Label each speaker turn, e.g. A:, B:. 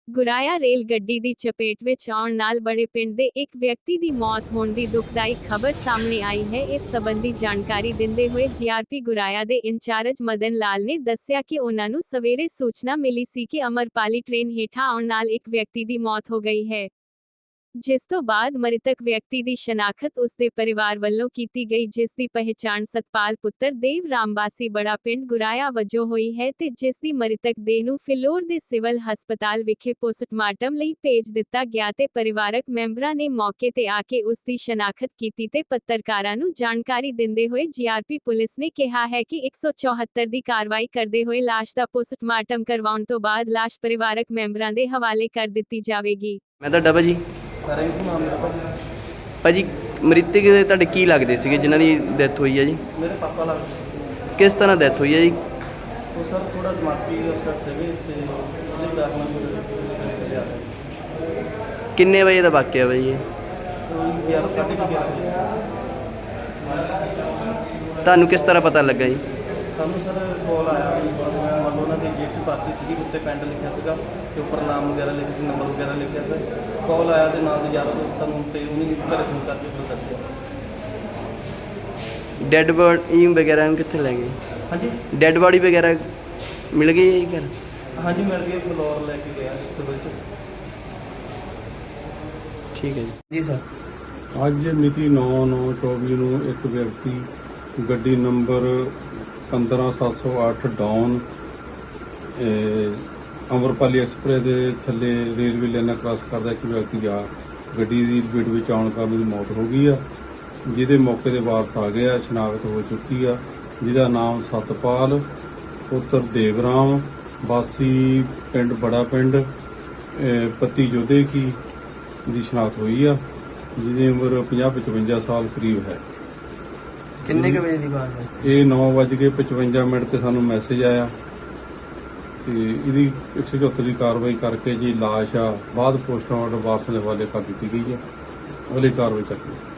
A: ਗੁਰਾਇਆ rail ਗੱਡੀ ਦੀ ਚਪੇਟ ਵਿੱਚ ਆਉਣ ਨਾਲ ਬੜੇ ਪਿੰਡ ਦੇ ਇੱਕ ਵਿਅਕਤੀ ਦੀ ਮੌਤ ਹੋਣ ਦੀ ਦੁਖਦਾਈ ਖਬਰ ਸਾਹਮਣੇ ਆਈ ਹੈ। ਇਸ ਸੰਬੰਧੀ ਜਾਣਕਾਰੀ ਦਿੰਦੇ ਹੋਏ ਜੀਆਰਪੀ ਗੁਰਾਇਆ ਦੇ ਇੰਚਾਰਜ ਮਦਨ ਲਾਲ ਨੇ ਦੱਸਿਆ ਕਿ ਉਹਨਾਂ ਨੂੰ ਸਵੇਰੇ ਸੂਚਨਾ ਮਿਲੀ ਸੀ ਕਿ ਅਮਰਪਾਲੀ ਟ੍ਰੇਨ ਹੇਠਾਂ ਆਉਣ ਨਾਲ ਇੱਕ ਵਿਅਕਤੀ ਦੀ ਮੌਤ ਹੋ ਗਈ ਹੈ, ਜਿਸ ਤੋਂ ਬਾਅਦ ਮ੍ਰਿਤਕ ਵਿਅਕਤੀ ਦੀ ਸ਼ਨਾਖਤ ਉਸ ਦੇ ਪਰਿਵਾਰ ਵੱਲੋਂ ਕੀਤੀ ਗਈ, ਜਿਸ ਦੀ ਪਹਿਚਾਣ ਸਤਪਾਲ ਪੁੱਤਰ ਦੇਵ ਰਾਮਵਾਸੀ ਬੜਾ ਪਿੰਡ ਗੁਰਾਇਆ ਵਜੋਂ ਹੋਈ ਹੈ ਤੇ ਜਿਸ ਦੀ ਮ੍ਰਿਤਕ ਦੇਹ ਨੂੰ ਫਿਲੌਰ ਦੇ ਸਿਵਲ ਹਸਪਤਾਲ ਵਿਖੇ ਪੋਸਟਮਾਰਟਮ ਲਈ ਭੇਜ ਦਿੱਤਾ ਗਿਆ ਤੇ ਪਰਿਵਾਰਕ ਮੈਂਬਰਾਂ ਨੇ ਮੌਕੇ ਤੇ ਆ ਕੇ ਉਸ ਦੀ ਸ਼ਨਾਖਤ ਕੀਤੀ ਤੇ ਪੱਤਰਕਾਰਾਂ ਨੂੰ ਜਾਣਕਾਰੀ ਦਿੰਦੇ ਹੋਏ ਜੀਆਰਪੀ ਪੁਲਿਸ ਨੇ ਕਿਹਾ ਹੈ ਕਿ 174 ਦੀ ਕਾਰਵਾਈ ਕਰਦੇ ਹੋਏ ਲਾਸ਼ ਦਾ ਪੋਸਟਮਾਰਟਮ ਕਰਵਾਉਣ ਤੋਂ ਬਾਅਦ ਲਾਸ਼ ਪਰਿਵਾਰਕ ਮੈਂਬਰਾਂ ਦੇ ਹਵਾਲੇ ਕਰ ਦਿੱਤੀ ਜਾਵੇਗੀ।
B: ਮੈਂ ਤੁਹਾਡਾ ਭਾਜੀ ਭਾਜੀ ਮ੍ਰਿਤਕ ਦੇ ਤੁਹਾਡੇ ਕੀ ਲੱਗਦੇ ਸੀਗੇ ਜਿਨ੍ਹਾਂ ਦੀ ਡੈਥ ਹੋਈ ਹੈ ਜੀ?
C: ਮੇਰੇ ਪਾਪਾ ਲੱਗਦੇ।
B: ਕਿਸ ਤਰ੍ਹਾਂ ਡੈਥ ਹੋਈ ਹੈ ਜੀ?
C: ਉਹ ਸਰ ਥੋੜਾ ਦਿਮਾਗੀ ਅਫਸਰ ਸੀਗੇ ਤੇ ਉਹਦੇ ਕਾਰਨ ਲਿਆ
B: ਕਿੰਨੇ ਵਜੇ ਦਾ ਵਾਕਿਆ ਵਾ ਜੀ ਇਹ?
C: 11:30
B: ਤੁਹਾਨੂੰ ਕਿਸ ਤਰ੍ਹਾਂ ਪਤਾ ਲੱਗਾ ਜੀ?
C: ਸਾਨੂੰ ਸਰ ਕਾਲ ਆਇਆ ਜੀ, ਮੰਨ ਲਓ ਉਹਨਾਂ ਦੀ ਜੇਠੀ ਪਾਰਟੀ ਸੀਗੀ, ਉੱਤੇ ਪਿੰਡ ਲਿਖਿਆ ਸੀਗਾ ਤੇ ਉੱਪਰ ਨਾਮ ਵਗੈਰਾ ਲਿਖਿਆ ਸੀ, ਨੰਬਰ ਵਗੈਰਾ ਲਿਖਿਆ ਸੀ। ਕਾਲ ਆਇਆ ਤੇ ਨਾਲ ਦੇ ਯਾਰ ਦੋਸਤਾਂ ਨੂੰ ਤੇ ਉਹਨੇ ਘਰੇ ਫੋਨ ਕਰਕੇ ਫਿਰ ਦੱਸਿਆ।
B: ਡੈੱਡ ਬੋਡੀ ਵਗੈਰਾ ਨੂੰ ਕਿੱਥੇ ਲੈ ਗਏ?
C: ਹਾਂਜੀ
B: ਡੈੱਡ ਬੋਡੀ ਵਗੈਰਾ ਮਿਲ ਗਈ ਹੈ ਜੀ ਘਰ?
C: ਹਾਂਜੀ ਮਿਲ ਗਈ, ਫਲੋਰ ਲੈ ਕੇ ਗਿਆ ਸਿਵਲ 'ਚ।
B: ਠੀਕ ਹੈ ਜੀ।
C: ਜੀ ਸਰ।
D: ਅੱਜ ਮਿਤੀ 9/9/24 ਨੂੰ ਇੱਕ ਵਿਅਕਤੀ ਗੱਡੀ ਨੰਬਰ 15708 ਡਾਊਨ ਅਮਰਪਾਲੀ ਐਕਸਪ੍ਰੈਸ ਦੇ ਥੱਲੇ ਰੇਲਵੇ ਲਾਈਨਾਂ ਕ੍ਰਾਸ ਕਰਦਾ ਇੱਕ ਵਿਅਕਤੀ ਆ ਗੱਡੀ ਦੀ ਲਪੇਟ ਵਿੱਚ ਆਉਣ ਕਾਰਨ ਉਹਦੀ ਮੌਤ ਹੋ ਗਈ ਆ, ਜਿਹਦੇ ਮੌਕੇ ਦੇ ਵਾਰਸ ਆ ਗਏ ਆ, ਸ਼ਨਾਖਤ ਹੋ ਚੁੱਕੀ ਆ, ਜਿਹਦਾ ਨਾਮ ਸਤਪਾਲ ਪੁੱਤਰ ਦੇਵਰਾਮ ਵਾਸੀ ਪਿੰਡ ਬੜਾ ਪਿੰਡ ਪੱਤੀ ਜੋਧੇ ਕੀ ਦੀ ਸ਼ਨਾਖਤ ਹੋਈ ਆ, ਜਿਹਦੀ ਉਮਰ 50-55 ਸਾਲ ਕਰੀਬ ਹੈ।
B: ਕਿੰਨੇ ਕੁ ਵਜੇ ਦੀ ਬਾਤ ਹੈ?
D: ਇਹ 9:55 ਤੇ ਸਾਨੂੰ ਮੈਸੇਜ ਆਇਆ ਤੇ ਇਹਦੀ 174 ਦੀ ਕਾਰਵਾਈ ਕਰਕੇ ਜੀ ਲਾਸ਼ ਆ ਬਾਅਦ ਪੋਸਟਮਾਰਟਮ ਵਾਰਸਾਂ ਦੇ ਹਵਾਲੇ ਕਰ ਦਿੱਤੀ ਗਈ ਹੈ। ਅਗਲੀ ਕਾਰਵਾਈ ਚੱਲ ਰਹੀ ਹੈ।